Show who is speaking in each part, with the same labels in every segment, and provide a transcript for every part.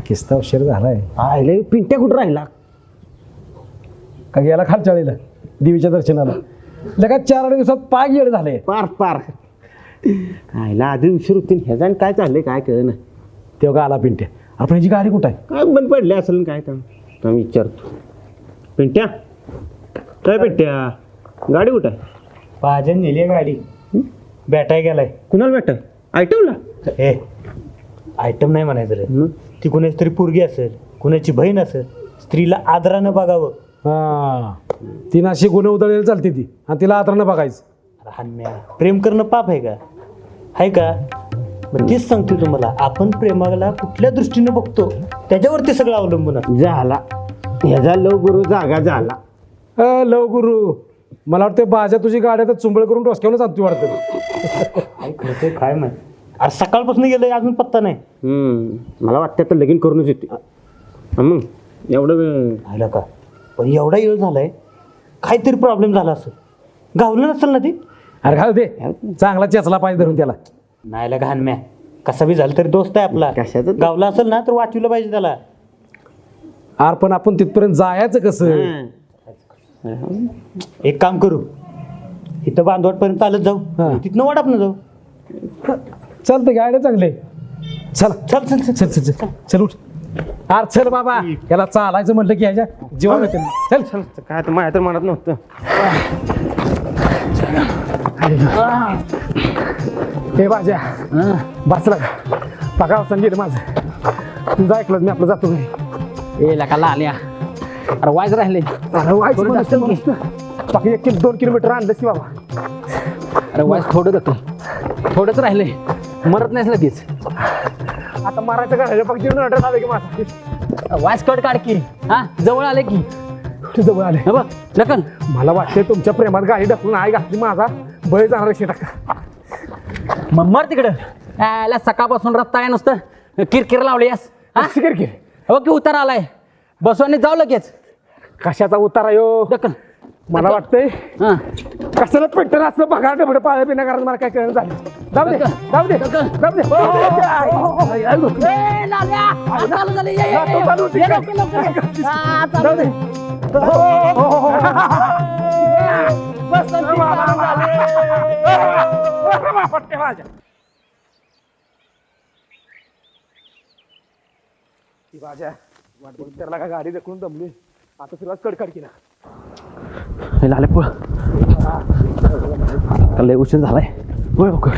Speaker 1: किस्ता उशीर झालाय आयले पिंट्या कुठं राहिला का गेला खालचाळीला देवीच्या दर्शनाला लगा 4 दिवसात पाय गेड झाले
Speaker 2: पार पार आयला आधी उशीर होती ह्याचा काय चाललंय काय कळलं ना
Speaker 1: तेव्हा आला पिंट्या आपण ह्याची गाडी कुठं आहे
Speaker 2: काय बंद पडले असेल ना काय तर मी विचारतो पिंट्या काय पिंट्या गाडी कुठं आहे
Speaker 3: भाजन नेली गाडी भेटाय गेलाय
Speaker 2: कुणाला भेट आयटमला
Speaker 3: हे आयटम नाही म्हणायचं रे ती कुणाची तरी पोरगी असेल कुणाची बहीण असेल स्त्रीला आदरानं बघावं
Speaker 1: हा तिनं अशी गुन्हे उधळलेली चालते ती आणि तिला आतरानं बघायचं
Speaker 3: अरे हान्या प्रेम करणं पाप आहे का आहे का मग तेच सांगतो तुम्हाला आपण प्रेमाला कुठल्या दृष्टीनं बघतो त्याच्यावरती सगळं अवलंबून असतं.
Speaker 2: झाला ह्याचा लव गुरु जागा झाला
Speaker 1: लव गुरु मला वाटतं बाजा तुझी गाडी आता चुंबळ करून डोसक्यावरच आणती वाटतं
Speaker 3: काय खरं काय माहिती अरे सकाळपासून गेलंय अजून पत्ता नाही
Speaker 2: मला वाटतं तर लगीन करूनच येते मग एवढं वेळ
Speaker 3: आलं का पण एवढा वेळ झालाय काहीतरी प्रॉब्लेम झाला असेल गावलं नसेल ना ती
Speaker 1: अरे घाल दे चांगला चेचला पाहिजे धरून त्याला
Speaker 3: नाही घाण म्या कसा बी झालं तरी दोस्त आहे आपला
Speaker 2: कशाचं?
Speaker 3: गावला असेल ना तर वाचवलं पाहिजे त्याला
Speaker 1: अरे पण आपण तिथपर्यंत जायचं कसं
Speaker 3: एक काम करू इथं बांधवटपर्यंत चालत
Speaker 1: हा.
Speaker 3: जाऊ तिथनं वाटापनं जाऊ
Speaker 1: चालतं गाड्या चांगले चल
Speaker 3: चल चल चल
Speaker 1: चल चल चल चल उठ अरे चल बाबा याला चालायचं म्हटलं की ह्याच्या जीवन येते चल चल
Speaker 2: काय तर माझ्या तर मनात नव्हतं
Speaker 1: हे बाजा बसला का पका अवसान गेलं माझं तुझं ऐकलं मी आपलं जातो घरी
Speaker 4: ए लका आल्या अरे वायच राहिले
Speaker 1: अरे व्हायचं पण असतं मस्त. बाकी 1-2 किलोमीटर आणलंस की बाबा
Speaker 4: अरे वायच थोडं जातो थोडंच राहिले मरत नाहीस लगेच
Speaker 1: आता मारायचं का राहिलं फक्त ऑर्डर आलं की माझा
Speaker 4: वायच कट काढ की हा जवळ आले की
Speaker 1: तू जवळ आले
Speaker 4: हे बघ लकन
Speaker 1: मला वाटतंय तुमच्या प्रेमात गाडी ढकलून आई घातली माझा बळी जाणार अशी टाका
Speaker 4: मग मर तिकडं याला सकाळपासून रस्ता आहे नुसतं किरकिर लावली यास हा
Speaker 1: शिकर की
Speaker 4: हो की उतार आलाय बसवाने जाऊ लगेच
Speaker 1: कशाचा उतारा यो
Speaker 4: लकन
Speaker 1: मला वाटतंय
Speaker 4: हा
Speaker 1: कशाला पेट्रोल असं बघा तेवढं पाळ्या पिण्या कारण मला काय कळलं झालं जाऊ दे जाऊ दे जाऊ दे
Speaker 4: ए, लाल्या! आ, चालू झालं, ये, ये, ये.
Speaker 1: चालू होती
Speaker 4: ये,
Speaker 1: का?
Speaker 4: लवकर, लवकर ये. आ, चालू
Speaker 1: जाऊ दे
Speaker 4: बसंती
Speaker 1: पट्टे माझ्या ती माझ्या वाट बघून त्याला का गाडी ढकलून दमली आता तुला कडकड केला
Speaker 4: हे लाले पळ लय उशीर झालाय होय लवकर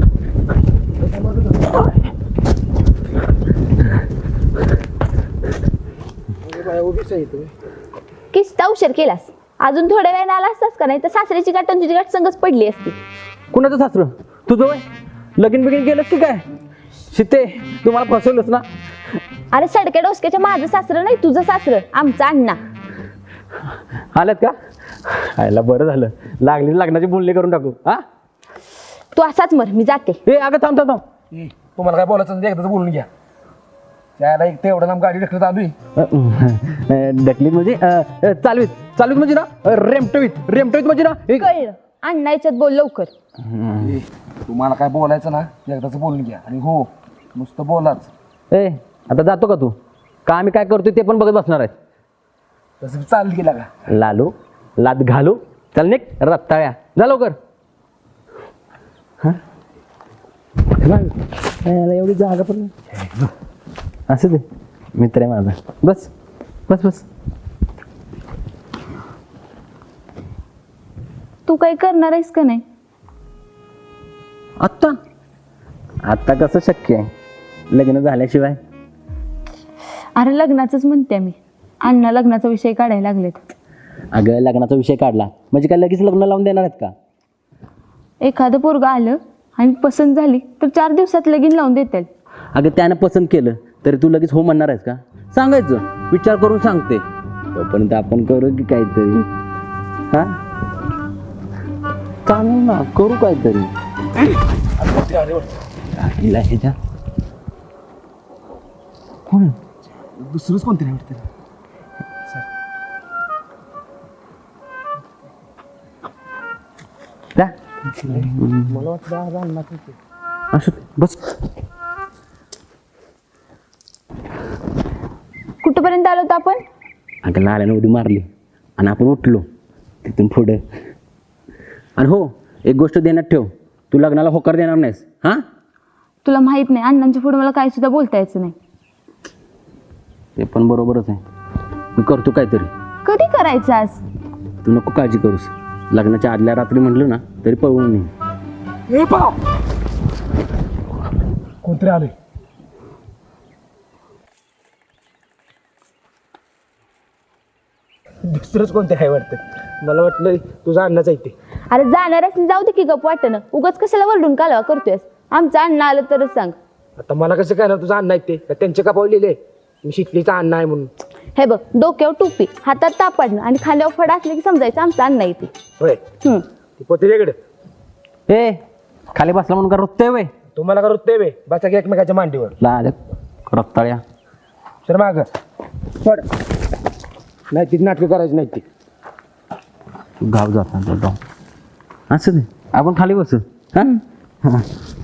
Speaker 5: किस्ता उशीर केलास अजून थोड्या वेळाने आला असतास का नाही तर सासऱ्याची गाठ आणि तुझी गाठ संगच पडली असती
Speaker 4: कुणाचं सासरं तुझं वय लगीन बिगीन गेलंस की काय शिते तुम्हाला फसवलंच ना
Speaker 5: अरे सडक्या डोसक्याच्या माझं सासरं नाही तुझं सासरं आमचा अण्णा
Speaker 4: आल्यात का आयला बरं झालं लागली लग्नाची बोलणी करून टाकू हा
Speaker 5: तू असाच मर मी जाते
Speaker 4: ए अगं थांब थांब थांब
Speaker 1: तुम्हाला काय बोलायचं एकदाच बोलून घ्या त्याला एक तेवढं नाम गाडी ढकलत आलोय
Speaker 4: डकलीत म्हणजे चालवीत चालवीत म्हणजे ना रेमटवीत म्हणजे ना एक
Speaker 5: कळलं अण्णा याच्यात बोल लवकर
Speaker 1: तुम्हाला काय बोलायचं ना एकदाच बोलून घ्या आणि हो नुसतं बोलाच
Speaker 4: ए आता जातो का तू का आम्ही काय करतोय ते पण बघत बसणार आहे
Speaker 1: तसं चालत गेला का
Speaker 4: लालू लाद घालू चल निक रत्ताळ्या जा लवकर एवढी जागा पण असं दे मित्र आहे माझा बस बस बस
Speaker 5: तू काही करणार आहेस का नाही
Speaker 4: आत्ता आत्ता कसं शक्य आहे लग्न झाल्याशिवाय
Speaker 5: अरे लग्नाचंच म्हणते मी अण्णा लग्नाचा विषय काढायला लागलेत
Speaker 4: अगं लग्नाचा विषय काढला म्हणजे काय लगेच लग्न लावून देणार आहेत का
Speaker 5: एखादं पोरगं आलं आणि पसंत झाली तर 4 दिवसात लगीन लावून देतील
Speaker 4: अगं त्यानं पसंत केलं तरी तू लगेच हो म्हणणार आहेस का सांगायचं विचार करून सांगते तोपर्यंत आपण करू की काहीतरी हा चालेल ना करू काहीतरी हिला ह्याच्या कोण
Speaker 1: दुसरंच कोणतरी नाही वाटतं मला वाटतं
Speaker 4: असं बस
Speaker 5: कुठपर्यंत आलो होतो आपण?
Speaker 4: अगं लाल्यानं उडी मारली आणि आपण उठलो तिथून पुढं. आणि हो, एक गोष्ट ध्यानात ठेव, तू लग्नाला होकार देणार नाहीस हां.
Speaker 5: तुला माहित नाही, अण्णांच्या पुढे मला काही सुद्धा बोलता यायचं नाही.
Speaker 4: ते पण बरोबरच आहे, मी करतो काहीतरी.
Speaker 5: कधी करायचं आज?
Speaker 4: तू नको काळजी करूस, लग्नाच्या आदल्या रात्री म्हटलं ना तरी पळवून नाही.
Speaker 1: ए बाप, कोणतरी आले. दुसरंच कोणते आहे वाटतं, मला वाटलं तुझा अण्णाच आहे ते.
Speaker 5: अरे जाणारच जाऊ दे की गप वाटणं, उगाच कशाला वरडून कालवा करतोयस? आमचं अण्णा आलं तरच सांग.
Speaker 1: आता मला कसं काय ना तुझा अण्णा आहे ते, का त्यांचे का पावलेले मी शिकलीचा अण्णा आहे म्हणून.
Speaker 5: हे बघ, डोक्यावर टोपी, हातात तापाडणं आणि खांद्यावर फड असले की समजायचं आमचं अण्णा येते.
Speaker 1: होय, ती पोते वेगळे.
Speaker 4: ए खाली बसला म्हणून का रुततोय वय?
Speaker 1: तुम्हाला का रुतते बे, बसा की एकमेकाच्या मांडीवर.
Speaker 4: लाल्या रक्ताळ्या.
Speaker 1: सर माग पड, नाही ती नाटकं करायची नाही ती.
Speaker 4: तू गाव जाता जाऊ असं दे, आपण खाली बसू हां. हां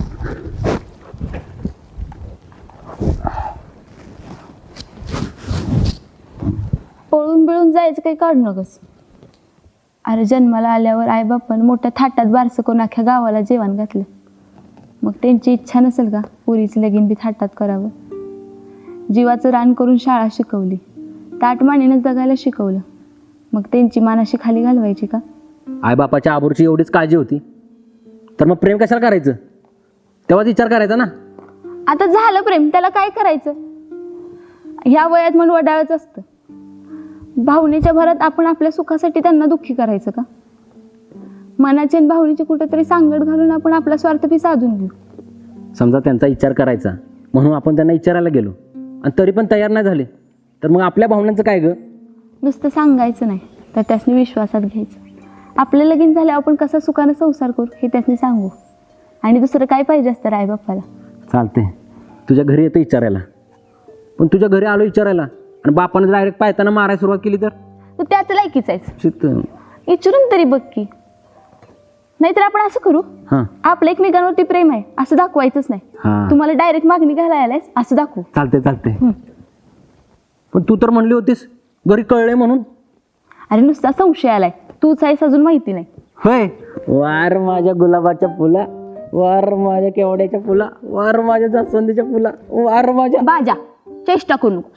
Speaker 5: पळून बिळून जायचं काही काढू नकस. अरे जन्माला आल्यावर आईबापानं मोठ्या थाटात बारसं करून अख्ख्या गावाला जेवण घातलं. मग त्यांची इच्छा नसेल का पुरीचं लगीन बी थाटात करावं? जीवाचं रान करून शाळा शिकवली, ताटमानेनं जगायला शिकवलं, मग त्यांची मानाशी खाली घालवायची का?
Speaker 4: आईबापाच्या आबरूची एवढीच काळजी होती तर मग प्रेम कशाला करायचं? तेव्हाच विचार करायचा ना.
Speaker 5: आता झालं प्रेम, त्याला काय करायचं? ह्या वयात मन वडाळच असतं. भावनेच्या भरात आपण आपल्या सुखासाठी त्यांना दुःखी करायचं का? मनाची आणि भावनेची कुठेतरी सांगड घालून आपण आपला स्वार्थ बी साधून घेऊ.
Speaker 4: समजा त्यांचा विचार करायचा म्हणून आपण त्यांना विचारायला गेलो आणि तरी पण तयार नाही झाले तर मग आपल्या भावनांचं काय ग?
Speaker 5: नुसतं सांगायचं नाही तर त्यासनी विश्वासात घ्यायचं. आपलं लगीन झाल्यावर आपण कसा सुखानं संसार करू हे त्यासनी सांगू. आणि दुसरं काय पाहिजे असतं आई बाप्पाला?
Speaker 4: चालते, तुझ्या घरी येतं विचारायला, पण तुझ्या घरी आलो विचारायला आणि बापानं डायरेक्ट पायताना मारायला सुरुवात केली तर
Speaker 5: त्याच लायकीच आहेस.
Speaker 4: शित
Speaker 5: विचारून तरी बघ की. नाहीतर आपण असं करू,
Speaker 4: हां
Speaker 5: आपलं एकमेकांवरती प्रेम आहे असं दाखवायचंच नाही.
Speaker 4: हां
Speaker 5: तुम्हाला डायरेक्ट मागणी घालायला आलायस असं दाखवू.
Speaker 4: चालते चालते. पण तू तर म्हणली होतीस घरी कळले म्हणून.
Speaker 5: अरे नुसता संशय आलाय, तूच आहेस अजून माहिती नाही.
Speaker 4: होय, वार माझ्या गुलाबाच्या फुला, वार माझ्या केवड्याच्या फुला, वार माझ्या जास्वंदीच्या फुला, वार माझ्या.
Speaker 5: बाजा चेष्टा करू नकोस.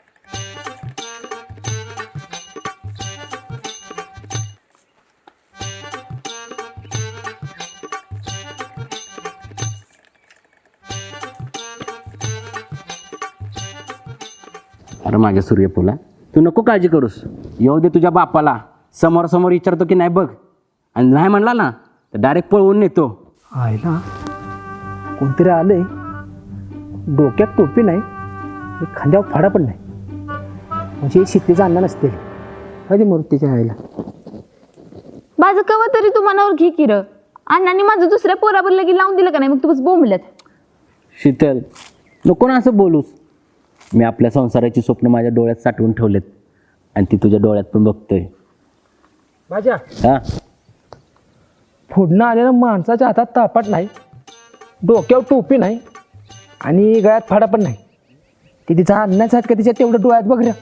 Speaker 4: अरे माझ्या सूर्यफुला, तू नको काळजी करूस, येऊ दे तुझ्या बापाला, समोर समोर विचारतो की नाही बघ, आणि नाही म्हणला ना तर डायरेक्ट पळवून नेतो.
Speaker 1: आयला कोणतरी आलंय, डोक्यात टोपी नाही, खांद्यावर फाडा पण नाही, म्हणजे शिकलीचा अण्णा नसते कधी मूर्तीच्या आईला.
Speaker 5: माझं कवा तरी तू मनावर घे की र. अण्णांनी माझं दुसऱ्या पोरावर लगीन लावून दिलं का नाही? मग तू बस बोंबलत.
Speaker 4: शीतल, नको ना असं बोलूस. मी आपल्या संसाराची स्वप्न माझ्या डोळ्यात साठवून ठेवलेत आणि ती तुझ्या डोळ्यात पण बघतोय.
Speaker 1: माझ्या
Speaker 4: हा,
Speaker 1: फोडणं आलेल्या माणसाच्या हातात तापाट नाही, डोक्यावर टोपी नाही आणि गळ्यात फाडा पण नाही. ते तिचा अण्णाच आहेत का तिच्या तेवढं डोळ्यात बघ रे.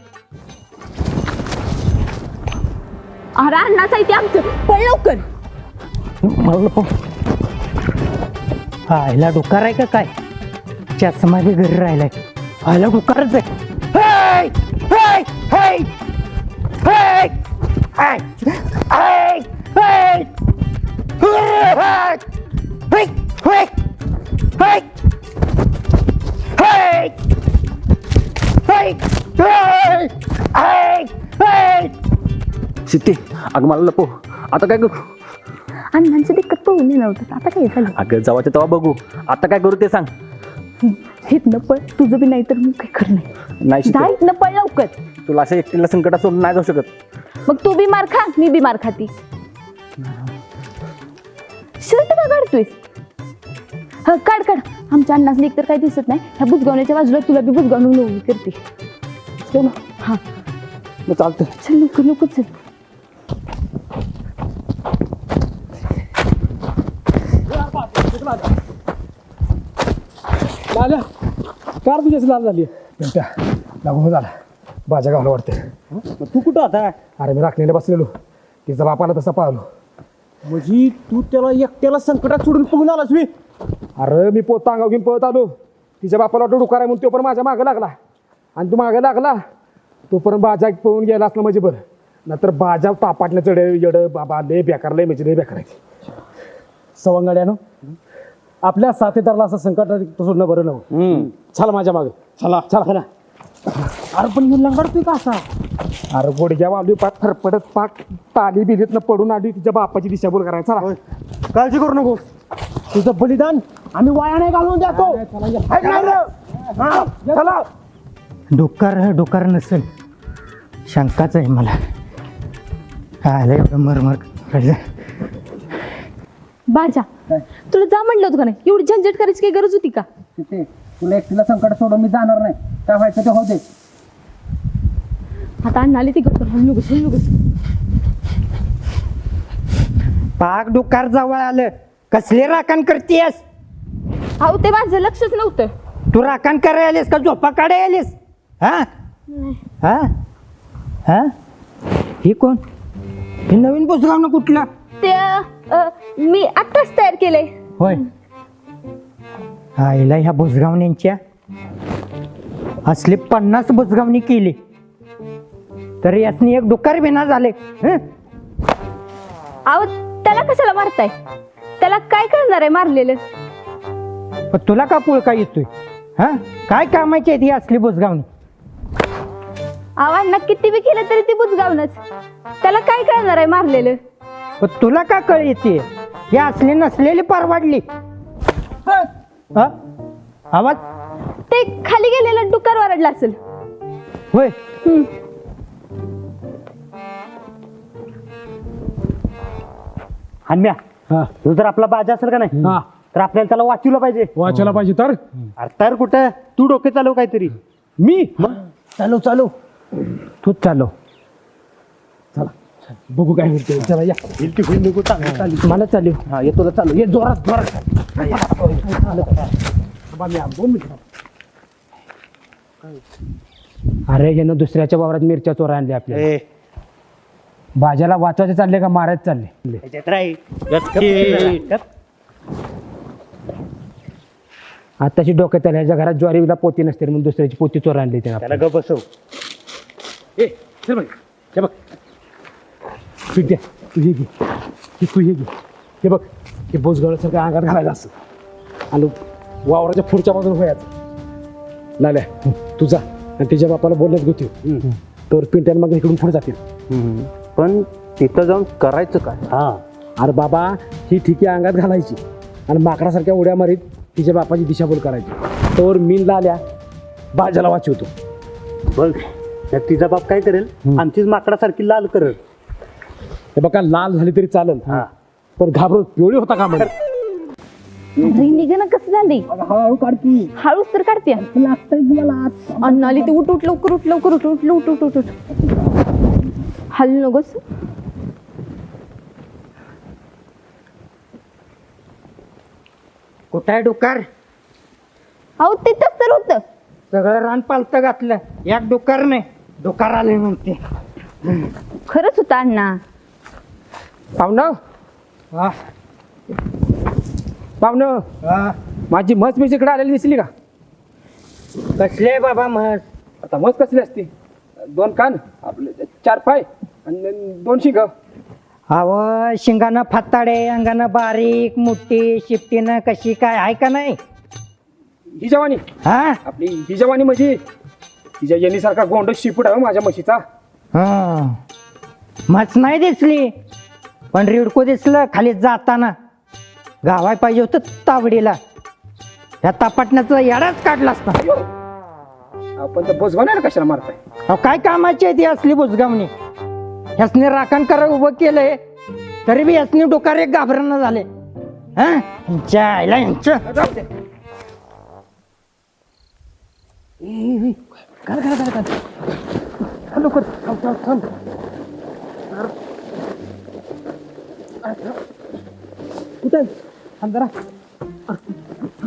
Speaker 5: अरे अण्णाच आहे ते आमचं, पण लवकर.
Speaker 3: आयला डोकार आहे का काय? चष्मा बी घरी राहिलाय. आयला डोकारच आहे. हेय! हेय! हेय! हेय! हेय! हेय! हेय! हेय! हेय! हेय! हेय! हेय! हेय! हेय! हेय! हेय!
Speaker 4: सिद्धी, अगं मला लपो, आता काय करू?
Speaker 5: अण्णांचं दिक्कत पळून नेलं होतं, आता काय झालं?
Speaker 4: अगं जवाच्या तेव्हा बघू, आता काय करू ते सांग.
Speaker 5: हितनं पळ, तुझं बी नाही तर मग काही खरं नाही.
Speaker 4: नाही
Speaker 5: जा
Speaker 4: शीतल,
Speaker 5: हितनं पळ लवकर.
Speaker 4: तुला असं एकटीला संकटात सोडून नाही जाऊ शकत.
Speaker 5: मग तू बी मार खा, मी बी मार खाती. शर्ट का काढतोय? हा काढ काढ. आमच्या अण्णाच एक तर काही दिसत नाही. ह्या बुजगावण्याच्या बाजूला तुला बी बुजगावून लोणी करते. चल हा
Speaker 4: मग चालतं.
Speaker 5: चल लवकर लवकर चल.
Speaker 1: लाल्या कार तुझ्याच लाल झाली. लागू झाला. बाजा गावला वाटते.
Speaker 2: मग तू कुठं आता
Speaker 1: अरे मी राखणीला बसलेलो, तिचा बापाला तसा पाहलो.
Speaker 2: म्हणजे तू त्याला एकट्याला संकटात सोडून पळून आलास मी.
Speaker 1: अरे मी पोता अंगावर घेऊन पळत आलो, तिच्या बापाला वाटलं डुकार आहे म्हणून तो पण माझ्या मागं लागला. आणि तू मागं लागला तोपर्यंत बाजा पळून गेला असलं म्हणजे बरं, नंतर बाजा तापाटलं चढ येडं बाबा लय बेकार, लय म्हणजे लय बेकार आहे.
Speaker 6: सवंगड्यानो, आपल्या साथीदाराला असं संकट सोडणं बरं नव्हतं. चला माझ्या मागे,
Speaker 2: चला
Speaker 6: चला.
Speaker 2: अरे पण मी लंगडतोय का असा.
Speaker 1: अरे गोडग्या वालू पाक फरफडत पाक ताली बिलीतनं पडून आली, तिच्या बापाची दिशाभूल करायचा.
Speaker 2: काळजी करू नको, तुझं बलिदान आम्ही वाया नाही घालवून देतो. हाय का रे? हा, चला.
Speaker 3: डोकार नसेल, शंकाच आहे मला. आलं एवढं मरमर करायचं.
Speaker 5: बाजा तुला जा म्हणलं होतं का नाही, एवढी झंझट करायची काही गरज होती का?
Speaker 4: तुला एकटीला संकट सोडून मी जाणार नाही, काय व्हायचं ते होते.
Speaker 5: आता अण्णाले ती गप्पर हलनुगस.
Speaker 3: पाक डोकार जवळ आलं, कसले राखण करतेस?
Speaker 5: अहो ते माझं लक्षच नव्हतं.
Speaker 3: तू राखण करायला आलीस का झोपा काढायला आलीस? हा हा हा ही कोण? हे नवीन पुस्तकाव ना कुठलं?
Speaker 5: ते मी आत्ताच तयार केलंय.
Speaker 3: होय, आईला ह्या बुजगावण्यांच्या असले 50 बुजगावणी केली तर यासनी एक डुकार बिना झाले.
Speaker 5: अहो त्याला कशाला मारताय? त्याला काय करणार आहे मारलेलं?
Speaker 3: पण तुला का पुळका येतोय? हा काय कामाची आहे ती असली बुजगावणी?
Speaker 5: अहो अण्णा किती बी केलं तरी ती बुजगावनच. त्याला काय करणार आहे मारलेलं?
Speaker 3: पण तुला का कळ येते? ही असली नसलेली परवाडली. हा? आवाज
Speaker 5: ते खाली गेलेलं डुक्कर ओरडला असेल.
Speaker 3: होय.
Speaker 2: हन्म्या,
Speaker 6: हा
Speaker 2: तू जर आपला बाजा असेल का नाही
Speaker 6: हा
Speaker 2: तर आपल्याला त्याला वाचवलं पाहिजे.
Speaker 6: वाचायला पाहिजे तर.
Speaker 2: अरे तर कुठं तू डोके चालव काहीतरी.
Speaker 6: मी
Speaker 3: चालू तूच चालव.
Speaker 6: बघू काय होते. चला या.
Speaker 3: मला चालू.
Speaker 4: हा येतो चालू, ये जोरात.
Speaker 1: अरे यानं दुसऱ्याच्या वावरात मिरच्या चोरा आणल्या आपल्या. भाज्याला वाचवायचे चालले का मारायचे चालले? आताशी डोक्यात आल्या, ह्याच्या घरात ज्वारीला पोती नसते म्हणून दुसऱ्याची पोती चोरा आणली त्यानं.
Speaker 2: त्याला ग बसव.
Speaker 6: हे बघ पिट्या, तू हे घे, तू हे घे. हे बघ, हे बोसगळासारखं अंगात घालायचं असं आणि वावराच्या पुढच्या बाजूला व्हायचं. लाल्या तुझा आणि तिच्या बापाला बोलण्यात गोती तर पिंट्यानं मग इकडून पुढे जातील.
Speaker 2: पण तिथं जाऊन करायचं काय?
Speaker 6: हा अरे बाबा, ही ठिकी अंगात घालायची आणि माकडासारख्या उड्या मारीत तिच्या बापाची दिशाभूल करायची. तर मीनला आल्या बाजाला वाचवतो.
Speaker 2: बघ, तिचा बाप काय करेल? आमचीच माकडासारखी लाल करेल.
Speaker 6: हे बघा, लाल झाली तरी चालेल, पण घाबरत पिवळी होता का म्हणजे?
Speaker 5: निघणं कसं झाली?
Speaker 6: हळूहळू काढती.
Speaker 5: हळूच तर काढते. अण्णा आली ती उठ लवकर. हलू नकोस.
Speaker 3: कुठं आहे डुकार?
Speaker 5: अहो तिथंच तर होतं.
Speaker 3: सगळं रान पालतं घातलं, एक डुकार नाही. डुकार आले म्हणते.
Speaker 5: खरंच होतं अण्णा.
Speaker 1: पाहुणं
Speaker 3: हा
Speaker 1: पाहुणं,
Speaker 3: हा.
Speaker 1: माझी म्हस मी इकडे आलेली दिसली का?
Speaker 3: कसले बाबा म्हस?
Speaker 1: आता म्हस कसली असते? 2 कान, आपले 4 पाय आणि 2 शिंग.
Speaker 3: अव शिंगानं फाताडे, अंगानं बारीक मोठी, शिफ्टीनं कशी काय आहे का नाही?
Speaker 1: ही जवानी
Speaker 3: हा
Speaker 1: आपली, ही जवानी म्हणजे तिच्या येणीसारखा गोंड शिपूट आहे हो माझ्या म्हशीचा.
Speaker 3: हा म्हस नाही दिसली, पण रिडको दिसलं खाली जाताना. गावाय पाहिजे होतं तावडीला. ह्या तापाटण्याचा याडाच काढला असता.
Speaker 1: आपण तर बोजवाना कशाला मारताय?
Speaker 3: अहो काय कामाची आहे ती असली बुजगावणी? ह्यासने राखण करा उभं केलंय तरी बी ह्यासने डोकार एक घाबरणं झाले. हा यांच्या आईला यांचं.
Speaker 6: कुठे अंधारा?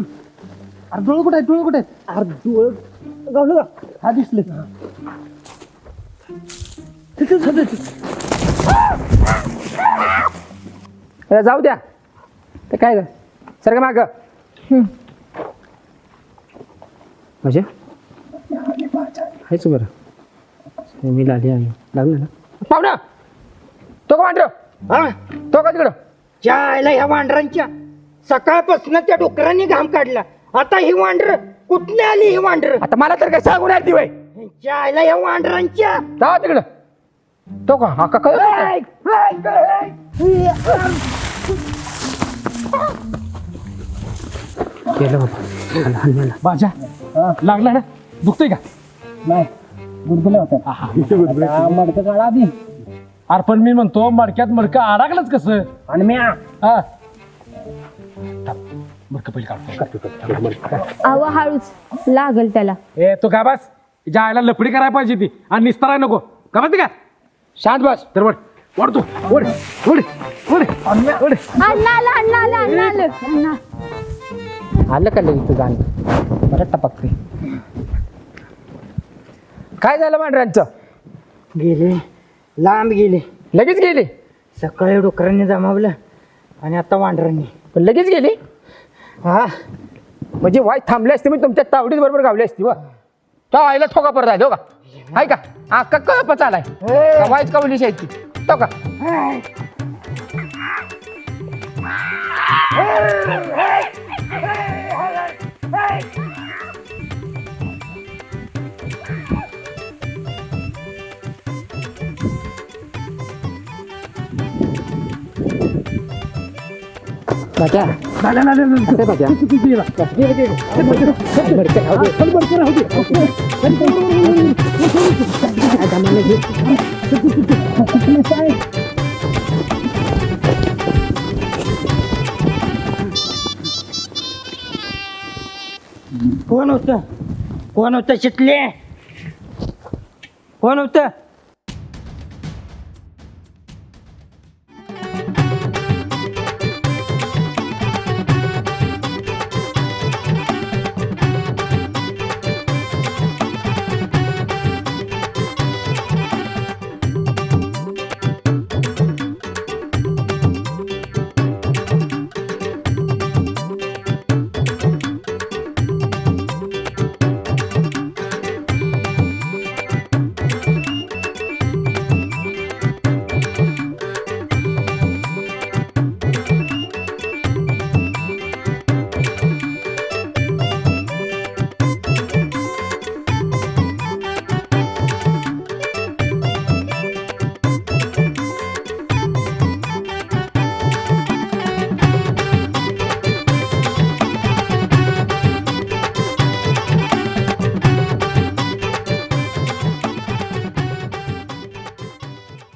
Speaker 6: अरे डोळ कुठे आहे? डोळ कुठे आहे? अरे डोळ गावलं का? हा दिसले.
Speaker 1: जाऊ द्या ते काय सर माग म्हणजे हायच बरं मी लागली लागलं ना पाहुणा तो का वांडर तो का तिकडं
Speaker 3: जायला ह्या वांढरांच्या सकाळपासून त्या डुकरांनी घाम काढला आता ही वांढर कुठली आली ही वांढर
Speaker 1: आता मला तर काय सांगून आली वय
Speaker 3: जायला ह्या वांढरांच्या
Speaker 1: जावा तिकडं तो का हा का केलं बाबा बाजा लागला ना दुखतोय का
Speaker 6: नाही गुडगुल्या होत्या मडकं काढा आधी. अरे पण मी म्हणतो मडक्यात मडकं अडकलंच कसं
Speaker 3: आणि मी
Speaker 6: हा मडकं पहिले काढतो
Speaker 5: अव हळूच लागल त्याला
Speaker 6: ए तो का बस ज्या आईला लपडी करायला पाहिजे ती आणि निस्ताराय नको का बस का शांत बस तर वड वड तू वड वड वड वड
Speaker 5: अण्णा आलं अण्णा आलं अण्णा आलं अण्णा
Speaker 1: आलं का लगेच तुझं गाणं बरं टपकते काय झालं मांढऱ्यांचं
Speaker 3: गेले लांब गेले
Speaker 1: लगेच गेली
Speaker 3: सकाळी डुकरांनी जमावलं आणि आता वांढरांनी
Speaker 1: पण लगेच गेली
Speaker 3: हा
Speaker 1: म्हणजे वाय थांबले असते मी तुमच्या तावडीत बरोबर गावली असती वा तो आईला ठोका परत राहिलो का आहे का हा कळपच आलाय वाईट कवली शायची तो का बाजा बाजा
Speaker 3: कोण होतं शितले कोण होतं